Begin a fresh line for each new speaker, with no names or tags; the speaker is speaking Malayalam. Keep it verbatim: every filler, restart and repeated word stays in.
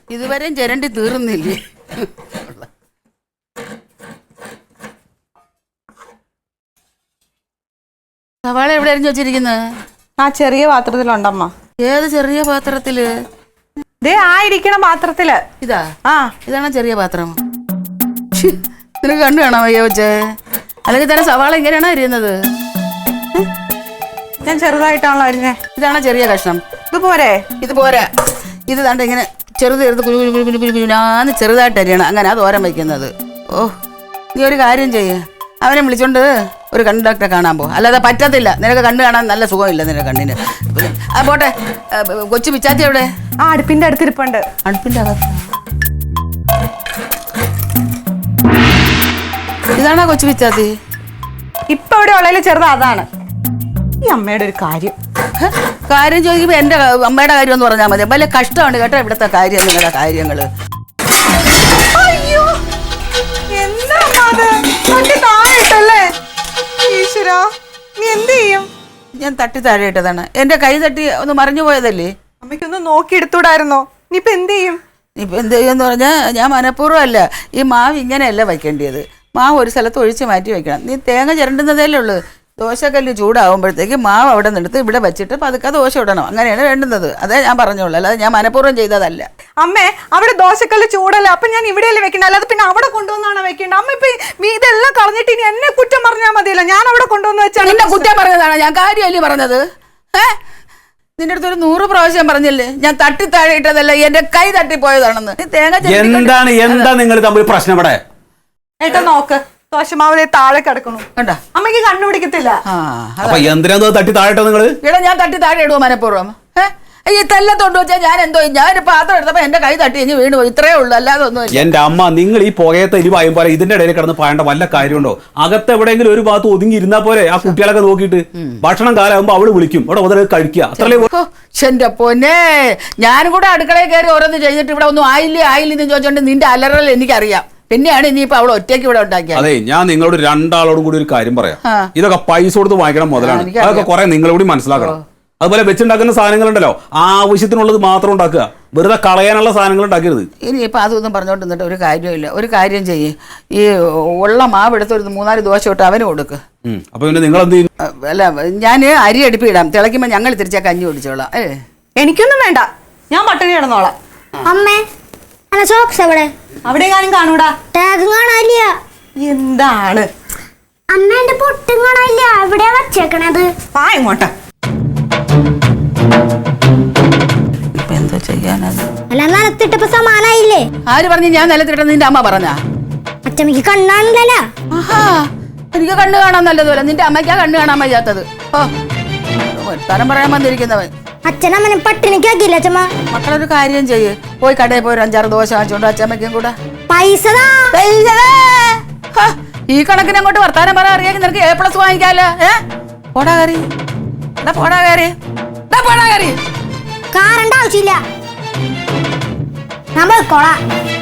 ഇതുവരെയും ചിരണ്ടി തീർന്നില്ലേ? സവാള എവിടെ അരിഞ്ഞു വെച്ചിരിക്കുന്നത്?
ആ ചെറിയ പാത്രത്തിലുണ്ടമ്മ.
ഏത് ചെറിയ പാത്രത്തില്?
ദേ ആ ഇരിക്കണ പാത്രത്തില്.
ഇതാ?
ആ
ഇതാണ് ചെറിയ പാത്രം. നിനക്ക് കണ്ടു കാണാൻ വയ്യ വെച്ചേ? അല്ലെങ്കിൽ തന്നെ സവാള ഇങ്ങനെയാണോ അരിയുന്നത്?
ഞാൻ ചെറുതായിട്ടാണല്ലോ അരിഞ്ഞേ.
ഇതാണ് ചെറിയ കഷ്ണം.
ഇത് പോരെ?
ഇത് പോരാ. ഇത് ദാണ്ട് ഇങ്ങനെ ചെറുത് ചെറുത് കുരു കുരു കുരു കുരു കുരുനാന്ന് ചെറുതായിട്ട് അരിയണം. അങ്ങനെ തോരൻ വയ്ക്കുന്നത്. ഓ, നീ ഒരു കാര്യം ചെയ്യ്, അവനെ വിളിച്ചോണ്ട് ഒരു കണ്ണ് ഡോക്ടറെ കാണാൻ പോ. അല്ലാതെ പറ്റത്തില്ല. നിനക്ക് കണ്ണ് കാണാൻ നല്ല സുഖമില്ല നിന്റെ കണ്ണിന്. ആ പോട്ടെ, കൊച്ചു പിച്ചാത്തി എവിടെ?
ആ അടുപ്പിന്റെ അടുത്തിരിപ്പുണ്ട്.
അടുപ്പിന്റെ അകത്ത്? ഇതാണോ കൊച്ചു പിച്ചാത്തി?
ഇപ്പൊ ഇവിടെ ഉള്ളതിൽ ചെറുത് അതാണ്. ഈ അമ്മയുടെ ഒരു കാര്യം
കാര്യം ചോദിക്കുമ്പോ എന്റെ അമ്മയുടെ കാര്യം എന്ന് പറഞ്ഞാൽ മതി. വലിയ കഷ്ടമാണ് കേട്ടോ ഇവിടുത്തെ കാര്യം, നിങ്ങളുടെ കാര്യങ്ങള്.
അയ്യോ, എന്താ ഈശ്വരാ, നീ എന്ത് ചെയ്യും?
ഞാൻ തട്ടി താഴെ ഇട്ടതാണ്. എന്റെ കൈ തട്ടി ഒന്ന് മറിഞ്ഞു പോയതല്ലേ.
അമ്മയ്ക്കൊന്ന് നോക്കി എടുത്തൂടായിരുന്നോ? നീ ഇപ്പൊ എന്ത് ചെയ്യും?
ഇപ്പൊ എന്ത് ചെയ്യുമെന്ന് പറഞ്ഞാൽ ഞാൻ മനഃപൂർവ്വം അല്ല. ഈ മാവ് ഇങ്ങനെയല്ല വയ്ക്കേണ്ടത്. മാവ് ഒരു സ്ഥലത്ത് ഒഴിച്ച് മാറ്റി വെക്കണം. നീ തേങ്ങ ചിരണ്ടുന്നതല്ലേ ഉള്ളൂ. ദോശക്കല്ല് ചൂടാവുമ്പോഴത്തേക്ക് മാവ് അവിടെ നിന്നെടുത്ത് ഇവിടെ വെച്ചിട്ട് പതുക്കെ ദോശ ഇടണം. അങ്ങനെയാണ് വേണ്ടുന്നത്. അതേ ഞാൻ പറഞ്ഞോളൂ, അല്ലാതെ ഞാൻ മനഃപൂർവ്വം ചെയ്തതല്ല.
അമ്മേ, അവിടെ ദോശക്കല്ല് ചൂടല്ലേ, അപ്പൊ ഞാൻ ഇവിടെയല്ലേ വെക്കണ്ട, അല്ലാതെ പിന്നെ അവിടെ കൊണ്ടുവന്നാണ് വെക്കേണ്ടത്. അമ്മ ഇപ്പൊ ഇതെല്ലാം കളഞ്ഞിട്ട് ഇനി എന്നെ കുറ്റം പറഞ്ഞാൽ മതിയല്ലോ. ഞാൻ അവിടെ കൊണ്ടുവന്ന് വെച്ചാൽ
എന്നെ കുറ്റം പറഞ്ഞതാണ്. ഞാൻ കാര്യമല്ലേ പറഞ്ഞത്? ഏഹ്, നിന്റെ അടുത്ത് ഒരു നൂറ് പ്രാവശ്യം പറഞ്ഞില്ലേ ഞാൻ തട്ടി താഴെ ഇട്ടതല്ല, എന്റെ കൈ തട്ടിപ്പോയതാണെന്ന്. തേങ്ങ
എന്താണ് എന്താ നിങ്ങൾ തമ്മിൽ പ്രശ്നം ഇവിടെ?
ഏട്ടാ നോക്ക്, ദോശമാവിലെ താഴെ കിടക്കണു.
കണ്ടാ?
അമ്മയ്ക്ക് കണ്ണുപിടിക്കത്തില്ല.
അപ്പൊ എന്തിനാ തട്ടി താഴെ നിങ്ങള്?
ഇവിടെ ഞാൻ തട്ടി താഴെ ഇടുവോ മനഃപൂർവ്വം? ഏഹ്, ഈ തെല്ലത്തോണ്ട് വെച്ചാൽ ഞാൻ എന്തോ ഞാൻ പാത്രം എടുത്തപ്പോ എന്റെ കൈ തട്ടി ഇനി വീണ് പോയി. ഇത്രേ ഉള്ളൂ, അല്ലാതെ ഒന്നും.
എന്റെ അമ്മ, നിങ്ങൾ ഈ പുകയത്തെ എരിവായും പോലെ ഇതിന്റെ ഇടയിൽ കിടന്ന് പായേണ്ട വല്ല കാര്യമുണ്ടോ? അകത്ത് എവിടെയെങ്കിലും ഒരു ഭാഗത്ത് ഒതുങ്ങി ഇരുന്നാ പോലെ ആ കുട്ടികളൊക്കെ നോക്കിയിട്ട് ഭക്ഷണം കാലാകുമ്പോ അവള് വിളിക്കും, അവിടെ മുതൽ കഴിക്കുക. അത്രേ.
എന്റെ പൊന്നെ, ഞാനും കൂടെ അടുക്കളയിൽ കയറി ഓരോന്ന് ചെയ്തിട്ട് ഇവിടെ ഒന്നും ആയില്ലേ ആയില്ലെന്ന് ചോദിച്ചോണ്ട് നിന്റെ അലറൽ എനിക്കറിയാം. പിന്നെയാണ് ഇനിയിപ്പോ അവൾ ഒറ്റയ്ക്ക് ഇവിടെ ഉണ്ടാക്കിയത്.
അതെ, ഞാൻ നിങ്ങളോട് രണ്ടാളോടും കൂടി ഒരു കാര്യം പറയാം. ഇതൊക്കെ പൈസ കൊടുത്ത് വാങ്ങിക്കണം മുതലാണ്. അതൊക്കെ കുറെ നിങ്ങളോട് മനസ്സിലാക്കണം. അതുപോലെ വെച്ചുണ്ടാക്കുന്ന സാധനങ്ങളുണ്ടല്ലോ, ആവശ്യത്തിനുള്ളത് മാത്രം ഉണ്ടാക്കുക, വെറുതെ കളയാനുള്ള സാധനങ്ങൾ ഉണ്ടാക്കരുത്.
ഇനിയിപ്പോൾ അതൊന്നും പറഞ്ഞോണ്ട് നിന്നിട്ട് ഒരു കാര്യമില്ല. ഒരു കാര്യം ചെയ്യ്, ഈ ഉള്ള മാവ് എടുത്ത് ഒരു മൂന്നാല് ദോശ ഇട്ട് അവന് കൊടുക്ക്.
അപ്പൊ പിന്നെ നിങ്ങൾ എന്ത് ചെയ്യും?
അല്ല, ഞാൻ അരി അടുപ്പിടാം, തിളയ്ക്കുമ്പോൾ ഞങ്ങൾ തിരിച്ചാൽ കഞ്ഞി കുടിച്ചോളാം. ഏ,
എനിക്കൊന്നും വേണ്ട, ഞാൻ പട്ടിണി കിടന്നോളാം.
അമ്മേ, അല്ല സോക്സ് എവിടെ?
അവിടെ ഞാനും കാണൂടാ.
ടാഗ് കാണാനില്ല.
എന്താണ്
അമ്മ, എന്റെ പൊട്ടും കാണാനില്ല. എവിടെയാ വച്ചേക്കണത്?
ആ ഇങ്ങോട്ടാ.
ഇപ്പൊ എന്തോ ചെയ്യാനത്?
അല്ല, നിലത്തിട്ടപ്പോ സമാനായില്ലേ?
ആര് പറഞ്ഞു ഞാൻ നിലത്തിട്ട? നിന്റെ അമ്മ പറഞ്ഞാ?
അച്ഛമ്മക്ക് കണ്ണാണില്ലല്ലോ.
ആഹാ, എനിക്ക് കണ്ണ് കാണാൻ നല്ലതുപോലെ, നിന്റെ അമ്മയ്ക്കാ കണ്ണ് കാണാൻ വയ്യാത്തത്. ഓ, തരം പറയാൻ വന്നിരിക്കുന്നവൻ.
അച്ഛനമ്മനെ പട്ടിണിക്കാക്കില്ല അച്ഛമ്മ.
മക്കളൊരു കാര്യം ചെയ്യ്, പോയി കടയിൽ പോയി ഒരു അഞ്ചാറ് ദോശ വാങ്ങിച്ചോണ്ട് അച്ഛമ്മയ്ക്കും കൂടെ
പൈസ.
ഈ കണക്കിന് അങ്ങോട്ട് വർത്താനം പറയാൻ അറിയാമെങ്കിൽ നിനക്ക് എ പ്ലസ് വാങ്ങിക്കാലോ. ഏ, പോടാ കയറി, പോടാ കയറി, പോടാ കയറി.
കാറണ്ട ആവശ്യമില്ല, ഞാൻ പോയിക്കോളാം.